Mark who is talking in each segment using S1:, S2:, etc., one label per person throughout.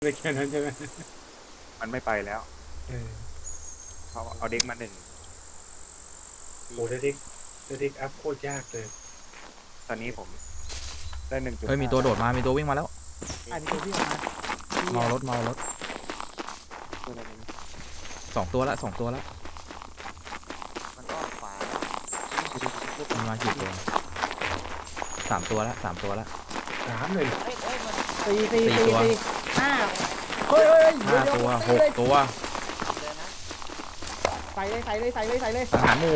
S1: ไม่แค่นั้นใช่ไหม
S2: มันไม่ไปแล้วเขาเอาเด็กมาหนึ่ง
S1: โอ้เด็กอัพโคตรยากเลย
S2: ตอนนี้ผมได้1.5
S3: เฮ้ยมีตัวโดดมามีตัววิ่งมาแล้ว
S4: อันนี้ตัวพี่ออกมา
S3: เมารถ
S2: ตัวอะไรนี้
S3: 2 ตัวละ2 ตัวละ
S5: มันอ้อมขวา
S3: มันมากี่ตัว3 ตัวละ3 ตัวละ
S1: 3เลย
S5: เอ้ยมัน
S4: สี่
S3: ตัว
S4: ห้าเฮ้ย
S3: 5 ตัว6 ตัว
S5: เลยนะ
S4: ใส่เลย
S3: สังหารหมู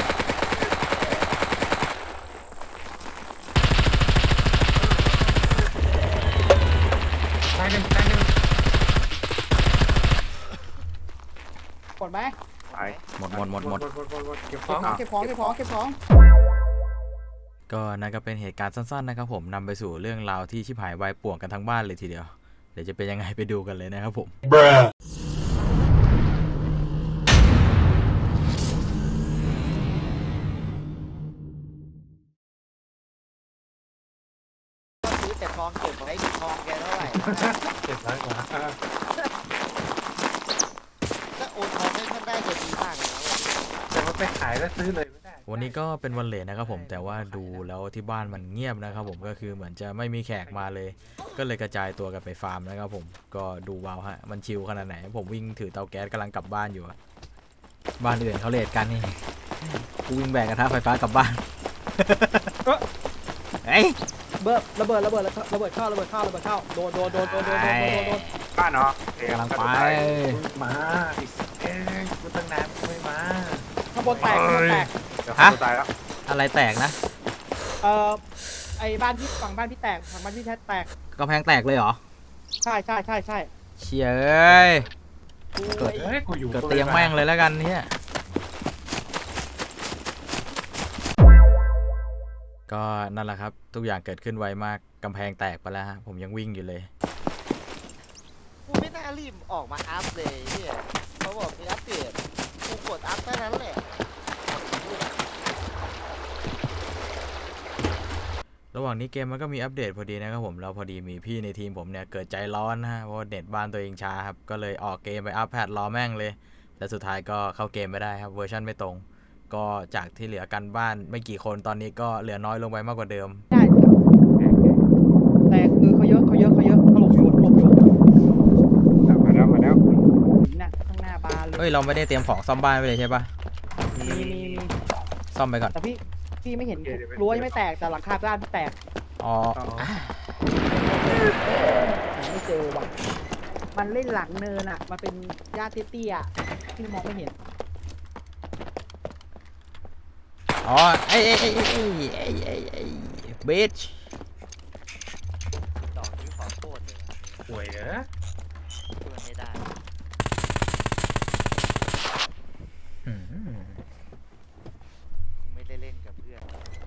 S1: ตายหนึ่ง
S4: กดไหม
S2: ตาย
S3: หมด
S1: เก็บข
S4: เก็
S1: อบ ง
S4: ของ
S3: ก็นั่นก็เป็นเหตุการณ์สั้นๆนะครับผมนำไปสู่เรื่องราวที่ชิบหายวายป่วงกันทั้งบ้านเลยทีเดียวเดี๋ยวจะเป็นยังไงไปดูกันเลยนะครับผม
S5: ซื้อแต่ทองเก็บไว้ทองแกเท่าไหร่
S1: 700 กว่า
S5: ถ้าโอนทองให้ท่านได้จะดีมากเลยนะ
S1: แต่ว่าไปขายแล้วซื้อเลยไม่ได้
S3: วันนี้ก็เป็นวันเลทนะครับผมแต่ว่าดูแล้วที่บ้านมันเงียบนะครับผมก็คือเหมือนจะไม่มีแขกมาเลย ก็เลยกระจายตัวกันไปฟาร์มนะครับผมก็ดูว้าวฮะมันชิลขนาดไหนผมวิ่งถือเตาแก๊สกำลังกลับบ้านอยู่อะบ้านอื่นเขาเลทกันนี่กูวิ่งแบกกระทะไฟฟ้ากลับบ้านเฮ้ย
S4: ระเบิดเข้าโดน
S2: บ้านเนาะ
S3: กำลังไป
S1: มากูตั้งนานไม่มา
S4: ข้างบนแตก
S2: เดี๋ยวเขาตายแล้ว
S3: อะไรแตกนะ
S4: ไอ้บ้านพี่ฝั่งบ้านพี่แตกฝั่งบ้านพี่แตก
S3: กำแพงแตกเลยเหรอ
S4: ใช่
S3: เชี่ยเอ้ย
S1: กูอยู่
S3: เกิดเตียงแม่งเลยแล้วกันเนี่ยก็นั่นแหละครับทุกอย่างเกิดขึ้นไวมากกำแพงแตกไปแล้วฮะผมยังวิ่งอยู่เลย
S5: กูไม่น่ารีบออกมาอัพเลยเนี่ยเขาบอกมีอัปเดตกูกดอัพแค่นั้นแหละ
S3: ระหว่างนี้เกมมันก็มีอัปเดตพอดีนะครับผมแล้วพอดีมีพี่ในทีมผมเนี่ยเกิดใจร้อนนะฮะเพราะว่าเน็ตบ้านตัวเองช้าครับก็เลยออกเกมไปอัพแพทรอแม่งเลยแต่สุดท้ายก็เข้าเกมไม่ได้ครับเวอร์ชันไม่ตรงก็จากที่เหลือกันบ้านไม่กี่คนตอนนี้ก็เหลือน้อยลงไปมากกว่าเดิม
S4: ใช่แต่คือเขาเยอะถล่มอยู่
S2: มาแล้ว
S4: น่ะข้างหน้าบานเลย
S3: เฮ้ยเราไม่ได้เตรียมของซ่อมบ้านไว้เลยใช่ปะ
S4: มี
S3: ซ่อมไปก่อน
S4: แต่พี่ไม่เห็นรั้วยังไม่แตกแต่หลังคาบ้านแตก
S3: อ๋อ
S4: ไม่เจอว่ะมันเล่นหลังเนินอ่ะมันเป็นหญ้าเตี้ยๆที่มองไม่เห็น
S3: อ๋อไอ้บิช
S5: ดอกนี้ขอโทษเลย
S1: ป่วยเหรอ
S5: ช่วยไม่ได้ไม่ได้เล่นกับเพื่อน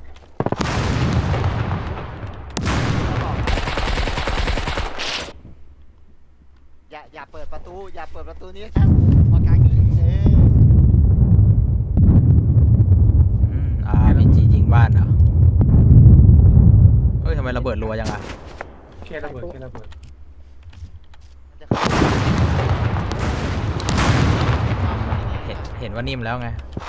S5: อย่าเปิดประตูนี้ครับพอกลางยิง
S3: พีจียิงบ้านเหรอเฮ้ยทำไมระเบิดรัวจังอะ
S1: แค่ระเบิด
S5: มันจะเข้า
S3: เห็นว่านิ่มแล้วไง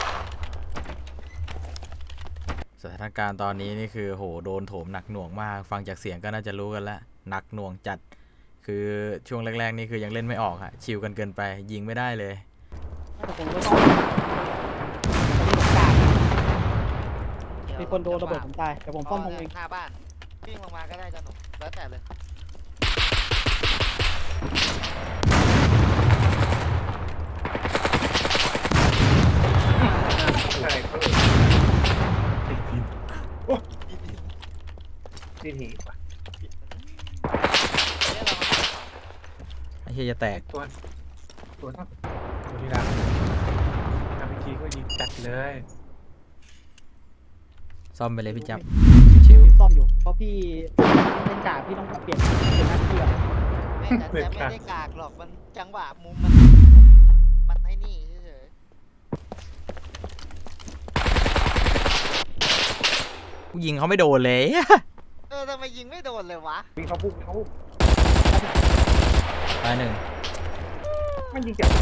S3: สถานการณ์ตอนนี้นี่คือโหโดนโถมหนักหน่วงมากฟังจากเสียงก็น่าจะรู้กันแล้วหนักหน่วงจัดคือช่วงแรกๆนี่คือยังเล่นไม่ออกฮะชิลกันเกินไปยิงไม่ได้เลย
S4: แต่ผมก็ต้องมีคนโดนระเบิดผมตายแต่ผมซ่อมผมเอง
S5: หน้าบ้านวิ่งลงมาก็ได้จ้ะหนุ่มแล้วแต่เลย
S1: ใช่เขาเลยติดดินโอ้ดินหีว่ะ
S5: เนี่ยเรามา
S3: ไอ้เหี้ยจะแตก
S1: ตัวเท่าตัวที่รักทำเมื่อกี้ก็ยิงจัดเลย
S3: ซ่อมไปเลยพี่จับชิว
S4: พี่ซ่อมอยู่เพราะพี่เป็นจ่าพี่ต้องเปลี่ยนหน้าที่อ่ะ
S5: ไม่แต่ไม่ได้กากหรอกมันจังหวะมุมมันไอ้นี่เฉย
S3: กูยิงเขาไม่โดนเลย
S5: ทำไมยิงไม่โดนเลยวะ
S1: วิ่งเขาพุ่ง
S3: ตายหนึ่ง
S1: มันยิงจาก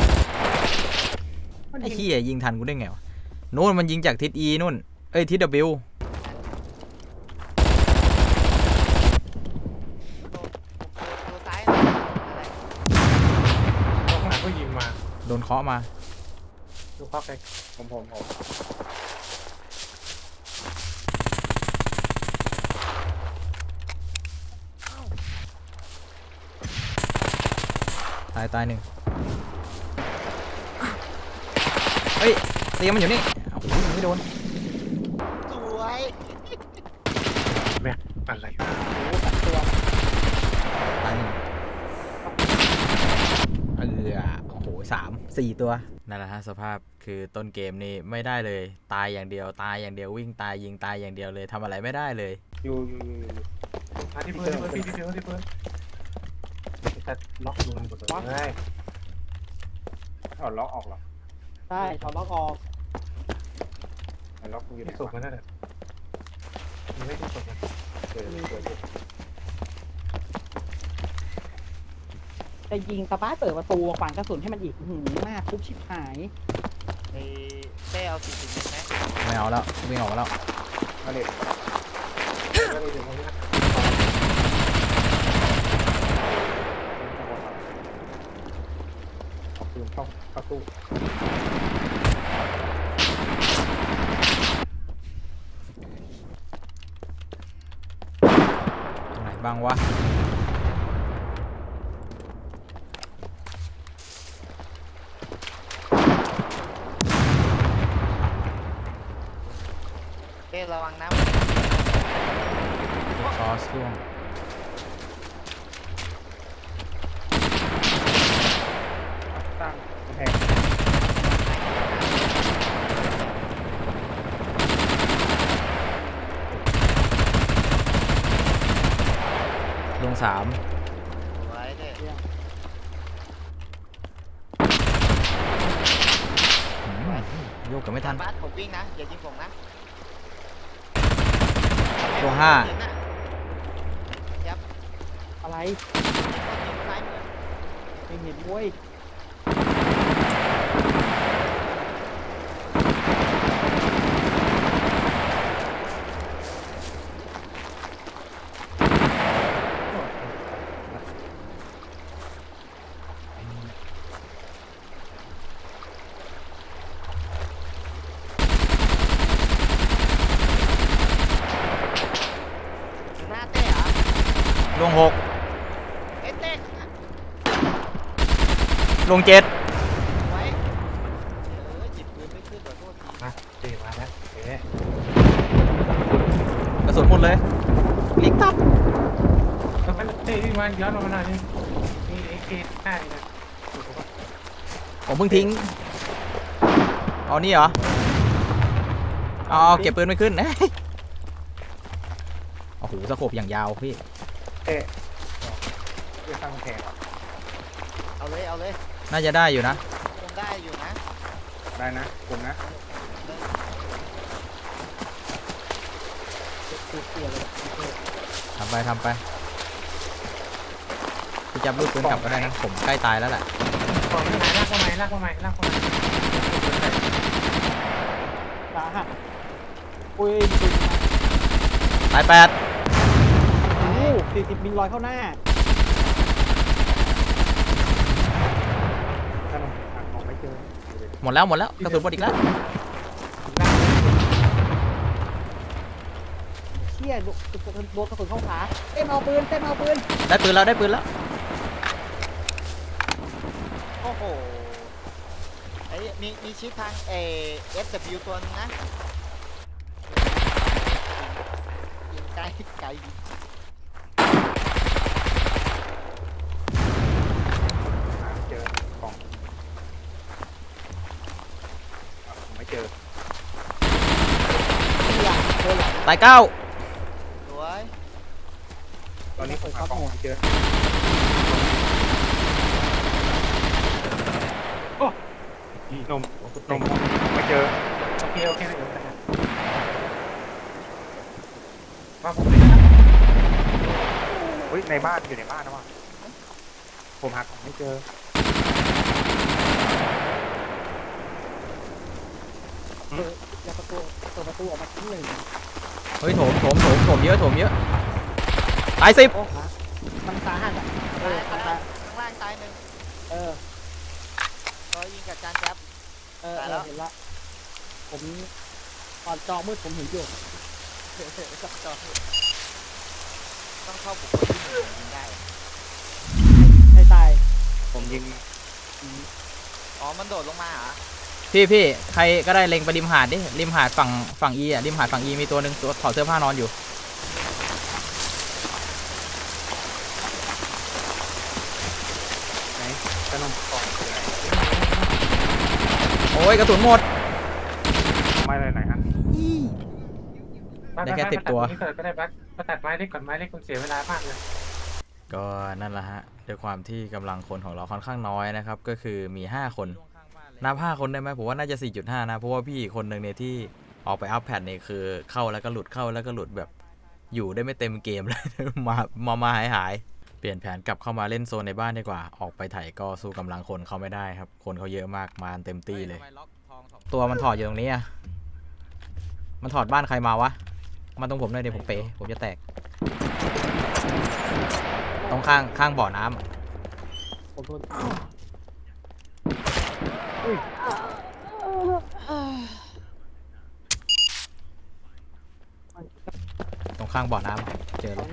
S1: มัน
S3: ไอ้
S1: ยิง
S3: เหี้ยยิงทันกูได้ไงวะนู่นมันยิงจากทิศ E นู่นเอ้ยทิศ W
S5: ดูซ้ายหน่อยอะไร
S1: ข้างหลังก็ยิงมา
S3: โดนเคาะมา
S1: ดูเข้าไปผม
S3: ตายหนึ่งเฮ้ยเตียงมันอยู่นี่โอ้โหยิงไม่โดน
S5: สวย
S1: แม่อะไร
S4: โอ้ตัดตัว
S3: ตายหนึ่งโอ้โห4 ตัวนั่นแหละฮะสภาพคือต้นเกมนี่ไม่ได้เลยตายอย่างเดียววิ่งตายยิงตายอย่างเดียวเลยทำอะไรไม่ได้เลย
S1: อยู่มาที่เพื่อนที่เพื่อนจะล็อกดูมันหมดเลยเอาล็อกออกหรอ
S4: ใช่ถอดล็อกออก
S1: ล็อกอยู่ในศพมันนั่นแหละมันไม่ใช่ศพมันเปิด
S4: จะยิงตะบ้าเปิดประตูขวางกระสุนให้มันอีกหืมมากทุบชิบหาย
S5: ไอ้เต้เอา40ไหม
S3: ไม่เอาแล้ววิ่งออกมาแล้ว
S1: มาเลยเดี๋ยวมาเลยเอาปืนเข้าตู้
S3: ตรงไหนบ้างวะ
S5: เต้ระวังน้
S3: คอสล่วง
S1: ตั้งแพง
S3: ลง3
S5: ำสวยเต้
S3: โยกกันไม่ทัน
S5: บาสผมวิ่งนะอย่ายิงผมนะ
S3: ตัว
S5: เห็นน่ะ
S4: อะไร
S5: ยิงซ้ายมือ
S4: ไม่เห็นเว้ย
S5: หน้าเต้เหรอ
S3: ลง
S5: เอ้ยเต้
S3: 6 ลง 7
S5: ไว้หยิบปืนไม่ขึ้นขอโทษที
S1: มาเตะมาแล้วเอ๊ะ
S3: กระสุนหมดเลยลิกตับ
S1: แล้วมันเตะที่มันย้อนมาหน่อยนี่มีเอ็กเกตหน้านี่นะ
S3: ผมเพิ่งทิ้งเอานี่เหรอเอาเก็บปืนไม่ขึ้น โอ้โหสโคปอย่างยาวพี่
S1: เตะเพื่อสร้างแพง
S5: เอาเลย
S3: น่าจะได้อยู่นะ
S5: คงได้อยู่นะ
S2: ได้นะผมนะ
S4: เสียเลย
S3: ทำไปพี่จับลูกปืนกลับก็ได้นะ ผมใกล้ตายแล้วแหละ
S1: ก่อนไม่หายลากมาใหม่
S4: สาหัสอุ้ยปืน
S3: ตาย
S4: โอ้40 มิลลอยเข้าหน้า
S1: ถ้ามันหาของไม่เจอ
S3: 8 หมดแล้วกระสุนหมดอีกแล้ว
S4: เชี่ยโดนกระสุนเข้าขาเต้นเอาปืน
S3: ได้ปืนแล้ว
S5: โอ้โหไอ้มีชิปทางFW ตัวนึงนะยิงไกลไกล
S2: เจอกล่องผมไม่เจอ
S3: ตาย 9
S5: สวย
S2: ตอนนี้ผมหากล่องไม่เจอ นมไม่เจอ
S1: โอเคเดี๋ยวมาผมเลย
S2: เฮ้ยในบ้านอยู่ในบ้านนะวะผมหาของไม่เจอ
S4: อย่าเปิดประตูออกมาชั้นหนึ่ง
S3: เฮ้ยโถมเยอะตาย10
S4: โอ้ฮะมันสาหัสอ่ะมันสา
S5: ข้างล่างตายหนึ่ง
S4: เออ
S5: ก็ยิงกับจานแจ๊บ ตายแล้ว
S4: เห็นละผมตอนจอมืดผมเห็นอยู่
S5: ต้องเข้าบุคคลที่หนึ่งยิงได้
S4: ให้ตาย
S2: ผมยิง
S5: อ๋อมันโดดลงมาเหรอ
S3: พี่ใครก็ได้เล็งไปริมหาดดิริมหาดฝั่งอีอ่ะริมหาดฝั่งอีมีตัวหนึ่งตัวถอดเสื้อผ้านอนอยู่
S2: ไหนขนมกล่องอยู่ไหน
S3: โอ้ยกระสุนหมด
S2: ไม่เลยไหนฮะ
S3: ได้แค่10ตัว
S1: นี่เกิดก็ได้บักมาตัดไม้เล็กก่อนไม้เล็กมันเสียเวลามากเลย
S3: ก็นั่นแหละฮะด้วยความที่กำลังคนของเราค่อนข้างน้อยนะครับก็คือมี5คนนับ5คนได้ไหมผมว่าน่าจะ 4.5 นะเพราะว่าพี่คนหนึ่งเนี่ยที่ออกไปอัพแพทเนี่ยคือเข้าแล้วก็หลุดเข้าแล้วก็หลุดแบบอยู่ได้ไม่เต็มเกมเลย มาหายเปลี่ยนแผนกลับเข้ามาเล่นโซนในบ้านดีกว่าออกไปไถก็สู้กำลังคนเขาไม่ได้ครับคนเขาเยอะมากมาเต็มตี้เลยตัวมันถอดอยู่ตรงนี้อ่ะมันถอดบ้านใครมาวะมาตรงผมหน่อยเดี๋ยวผมเป๋ผมจะแตกตรงข้างบ่อน้ำอะ
S4: ผมโดน
S3: ตรงข้างบ่อน้ำอะเจอแล้ว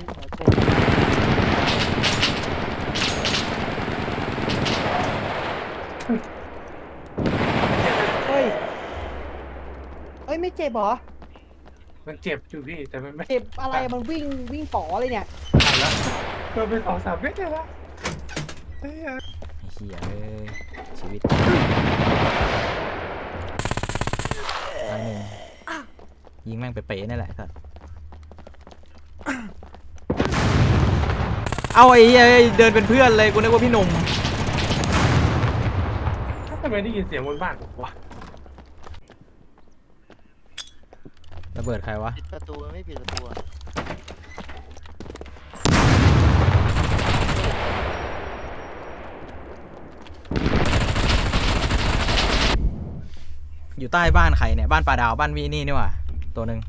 S4: เฮ้ยไม่เจ็บเหรอ
S1: มันเจ็บอยู่พี่แต่มันไม่
S4: เจ็บอะไรมันวิ่งป๋อเลยเนี่ย
S1: ตายแล้วโดนไป2-3 เม็ดเลยละเฮ้ย
S3: ไอ้เหี้ยเอ้ยชีวิตตายหนึ่งยิงแม่งไปเป๋นี่แหละครับเอาไอ้เหี้ยเดินเป็นเพื่อนเลยกูนึกว่าพี่หนุ่ม
S1: ทำไมได้ยินเสียงบนบ้านผมวะ
S3: ระเบิดใครวะ
S5: ปิดประตูไม่ปิดประตูอะ
S3: อยู่ใต้บ้านใครเนี่ยบ้านปลาดาวบ้านวีนี่นี่หว่าตัวหนึ่ง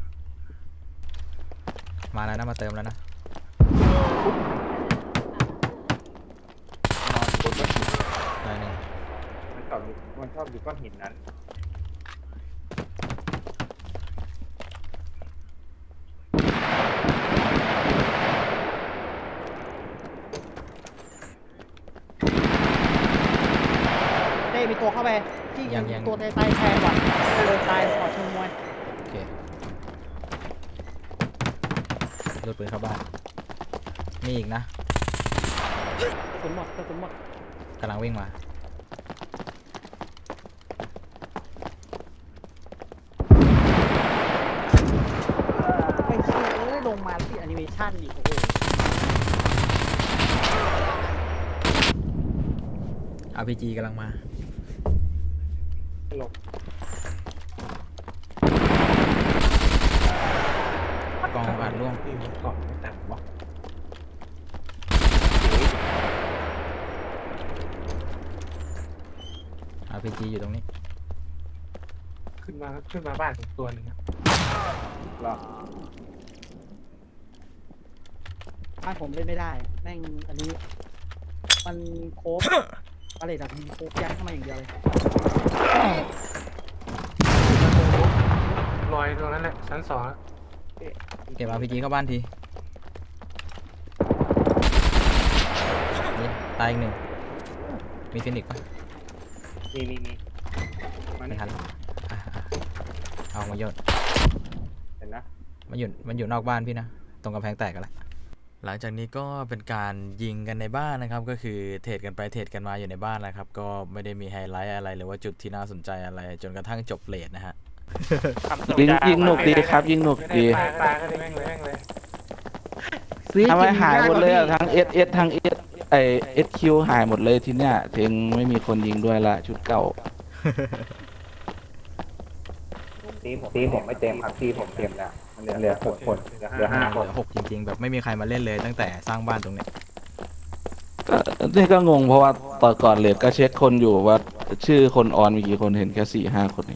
S3: มาแล้วนะมาเติมแล้วนะ
S2: นอนบนก้อนหิน
S3: ตายหนึ่ง
S2: มันชอบอยู่ก้อนหินนั้น
S4: เต้มีตัวเข้าไปที่ยิงตัวตายแทนว่ะเลยตายขอชมมวย
S3: โอเครถปืนเข้าบ้านมีอีกนะ
S4: กระสุนหมด
S3: กำลังวิ่งมา
S4: ไม่เชื่อลงมาที่แอนิเมชั่นอีกโอ้โห
S3: RPG กำลังมา
S1: หลบ
S3: กองอัดร่วง
S1: ที่มันกล่องไม่ตัดวะ
S3: RPG อยู่ตรงนี้
S1: ขึ้นมาบ้านผมตัวหนึ่งอะ
S2: หรอ
S4: บ้านผมเล่นไม่ได้แม่งอันนี้มันโคฟอะไรแบบมีโคฟยัดเข้ามาอย่างเดียวเลย
S1: ลอยตรงนั้นแหละชั้น2แล้ว
S3: เก็บ RPG เข้าบ้านทีนี่ตายอีกหนึ่งมีฟินิกส์ปะ
S2: มีมา
S3: ไม่
S2: นี่
S3: ทันเอามาโยน
S2: เห็นนะ
S3: มันอยู่นอกบ้านพี่นะตรงกำแพงแตกกันแล้วหลังจากนี้ก็เป็นการยิงกันในบ้านนะครับก็คือเทรดกันไปเทรดกันมาอยู่ในบ้านนะครับก็ไม่ได้มีไฮไลท์อะไรหรือว่าจุดที่น่าสนใจอะไรจนกระทั่งจบเลทนะฮะ
S6: ยิงหนุกดีครับยิงหนุก
S1: ไม่ได้
S6: ดี
S1: ปลาก็ได้แม่งเลย
S6: ทำไมหายหมดเลยอะทั้ง SS ทั้ง SQ หายหมดเลยทีเนี้ยถึงไม่มีคนยิงด้วยละชุดเก่า
S2: ตีผมไม่เต็มครับตีผมเต็มแล้วมันเหลือ6 คนเหลือ5 คน
S3: เหลือ6จริงๆแบบไม่มีใครมาเล่นเลยตั้งแต่สร้างบ้านตรงเนี้ย
S6: ก็นี่ก็งงเพราะว่าตอนก่อนเลทก็เช็คคนอยู่ว่าชื่อคนออนมีกี่คนเห็นแค่4-5 คนเอง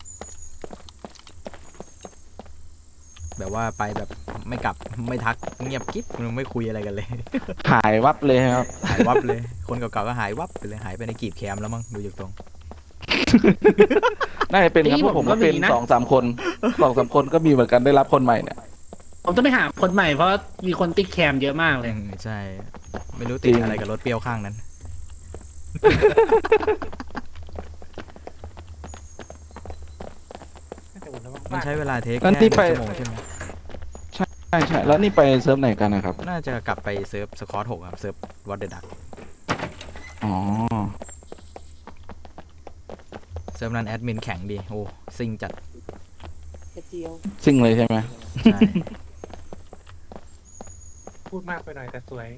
S3: แบบว่าไปแบบไม่กลับไม่ทักเงียบกิ๊บไม่คุยอะไรกันเลย
S6: หายวับเลยครับ
S3: หายวับเลย คนเก่าๆก็หายวับไปเลยหายไปในกีบแคมแล้วมั้งดูจากตรง
S6: น่าจะเป็นครับเพราะผมก็เป็น2-3 คน2-3 คนก็มีเหมือนกันได้รับคนใหม่เนี่ย
S7: ผมต้องไปหาคนใหม่เพราะมีคนติดแคมเยอะมากเลย
S3: ใช่ ไม่รู้ติดอะไรกับรถเปรี้ยวข้างนั้น มันใช้เวลาเทค
S6: งั้น
S3: แค่
S6: นี่
S3: 1
S6: ไป
S3: ชั่วโมงใช่ไหม
S6: ใช่แล้วนี่ไปเซิร์ฟไหนกันนะครับ
S3: น่าจะกลับไปเซิร์ฟสคอต6ครับเซิร์ฟวอตเดอร์ดัก
S6: อ๋อ
S3: เซิร์ฟนั้นแอดมินแข็งดีโอ้ซิงจัด
S4: กระเจียว
S6: ซิ่งเลยใช่ไหม
S3: ใช่
S1: พูดมากไปหน่อยแต่สวย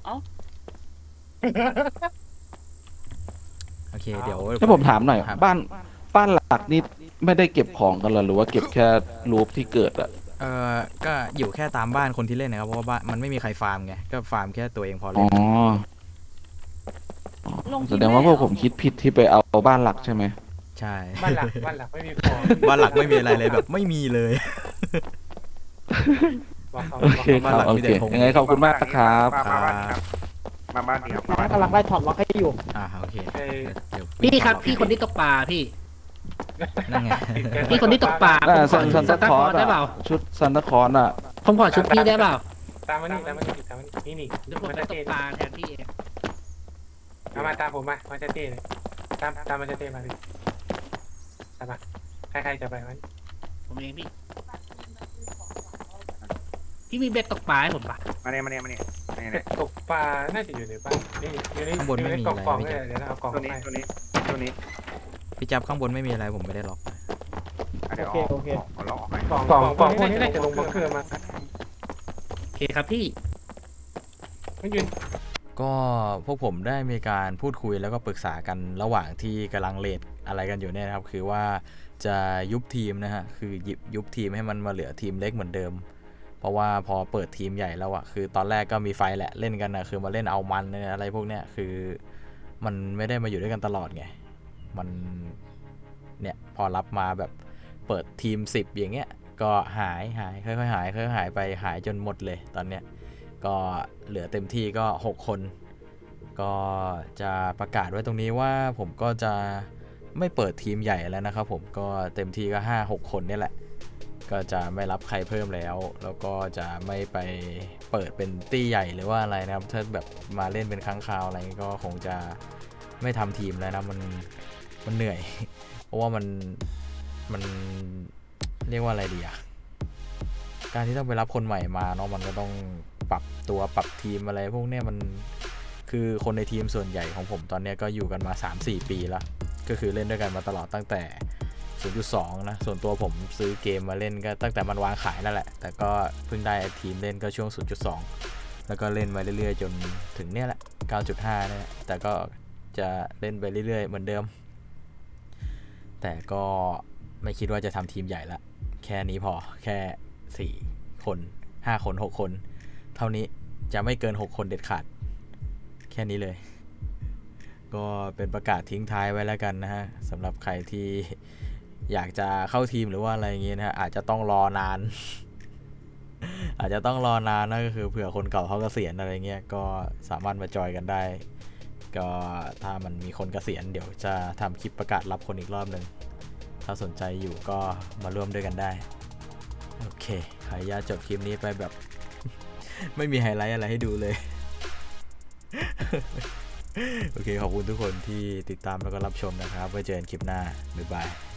S3: โอเคเดี๋ยว
S6: ถ้าผมถามหน่อย
S3: ครับ
S6: บ้านหลักนี่ไม่ได้เก็บของกันเหรอหรือว่าเก็บแค่รูปที่เกิดอะ
S3: ก็อยู่แค่ตามบ้านคนที่เล่นนะครับเพราะว่าบ้านมันไม่มีใครฟาร์มไงก็ฟาร์มแค่ตัวเองพอเล
S6: อ๋
S3: ย
S6: อแสดงว่าพวกผมคิดผิดที่ไปเอาบ้านหลักใช่ไหม
S3: ใช่
S1: บ้านหลักไม่มีของ
S3: บ้านหลักไม่มีอะไรเลยแบบไม่มีเลย
S1: บอกเขา
S6: โอเคค
S3: บ้าน
S6: รับ
S3: หลัง
S6: โอ
S3: มี
S6: เค
S3: แต่ธง
S6: ยังไงขอบคุณมากครับ
S2: มาบ้านนี้ครับมาบ้าน
S4: กำลังไล่ถอดล็อกให้อยู่
S3: โอเค
S1: ไอ้
S3: เดี๋ยว
S7: พี่ครับพี่คนที่ตกปลาพี่
S3: นั่นไง
S7: พี่คนที่ตกปลา
S6: น่า
S7: ผมขอ
S6: ซัน
S7: ซั
S6: ตาน
S7: ตา
S6: ค
S7: ค
S6: อ
S7: อ
S6: ร์
S7: ร์
S6: ส
S7: ได้เปล่า
S6: ชุดซันตาคอร์สอะ
S7: ผมขอชุดพี่ได้เปล่า
S1: ตามมานี่นี่
S7: เดี๋ยวผม
S1: มา
S7: ไป
S1: จะ
S7: ต
S1: เต้
S7: กปลาแทนพี่เอง
S1: มาตามผมมาจะเต้เลยตามมาจะเต้มาดิตามมาใครจะไปมัน
S7: ผมเองพี่ พี่มีเบ็ดตกปลาให้ผมปะ
S2: มาเนี่ย
S1: ตกปลาน่าจะอยู่ในบ้านนี่อยู่ในกล่องเลยเดี๋ยวเราเอากล่อง
S2: ตัวนี้
S1: ไป
S2: ตัวนี้
S3: พี่จับข้างบนไม่มีอะไรผมไม่ได้ล็อก
S2: เดี๋ยวขอลองออกไป
S1: กล่องพวกนี้น่าจะลงบังเกอร์มา
S7: โอเคครับพี่
S1: ไม่ยืน
S3: ก็พวกผมได้มีการพูดคุยแล้วก็ปรึกษากันระหว่างที่กำลังเลทอะไรกันอยู่เนี่ยนะครับคือว่าจะยุบทีมนะฮะคือยุบทีมให้มันมาเหลือทีมเล็กเหมือนเดิม เพราะว่าพอเปิดทีมใหญ่แล้วอะคือตอนแรกก็มีไฟแหละเล่นกันนะคือมาเล่นเอามันอะไรพวกเนี้ยคือมันไม่ได้มาอยู่ด้วยกันตลอดไงมันเนี่ยพอรับมาแบบเปิดทีม10อย่างเงี้ยก็หายค่อยๆหายไปหายจนหมดเลยตอนเนี้ยก็เหลือเต็มที่ก็6คนก็จะประกาศไว้ตรงนี้ว่าผมก็จะไม่เปิดทีมใหญ่แล้วนะครับผมก็เต็มที่ก็ 5-6 คนนี่แหละก็จะไม่รับใครเพิ่มแล้วก็จะไม่ไปเปิดเป็นตี้ใหญ่หรือว่าอะไรนะครับถ้าแบบมาเล่นเป็นครั้งคราวอะไรก็คงจะไม่ทำทีมแล้วนะมันเหนื่อย เพราะว่ามันเรียกว่าอะไรดีอะการที่ต้องไปรับคนใหม่มาเนาะมันก็ต้องปรับตัวปรับทีมอะไรพวกเนี้ยมันคือคนในทีมส่วนใหญ่ของผมตอนนี้ก็อยู่กันมา 3-4 ปีแล้วก็คือเล่นด้วยกันมาตลอดตั้งแต่ 0.2 นะส่วนตัวผมซื้อเกมมาเล่นก็ตั้งแต่มันวางขายนั่นแหละแต่ก็เพิ่งได้ทีมเล่นก็ช่วง 0.2 แล้วก็เล่นมาเรื่อยๆจนถึงเนี่ยแหละ 9.5 เนี่ยแต่ก็จะเล่นไปเรื่อยๆเหมือนเดิมแต่ก็ไม่คิดว่าจะทำทีมใหญ่ละแค่นี้พอแค่4คน5คน6คนเท่านี้จะไม่เกิน6คนเด็ดขาดแค่นี้เลยก็เป็นประกาศทิ้งท้ายไว้แล้วกันนะฮะสำหรับใครที่อยากจะเข้าทีมหรือว่าอะไรอย่างเงี้ยนะฮะอาจจะต้องรอนาน อาจจะต้องรอนานนะก็คือเผื่อคนเก่าเขาเกษียณอะไรเงี้ยก็สามารถมาจอยกันได้ก็ถ้ามันมีคนเกษียณเดี๋ยวจะทำคลิปประกาศรับคนอีกรอบหนึ่งถ้าสนใจอยู่ก็มาร่วมด้วยกันได้โอเคขออนุญาตจบคลิปนี้ไปแบบ ไม่มีไฮไลท์อะไรให้ดูเลย โอเคขอบคุณทุกคนที่ติดตามแล้วก็รับชมนะครับไว้เจอกันคลิปหน้าบ๊ายบาย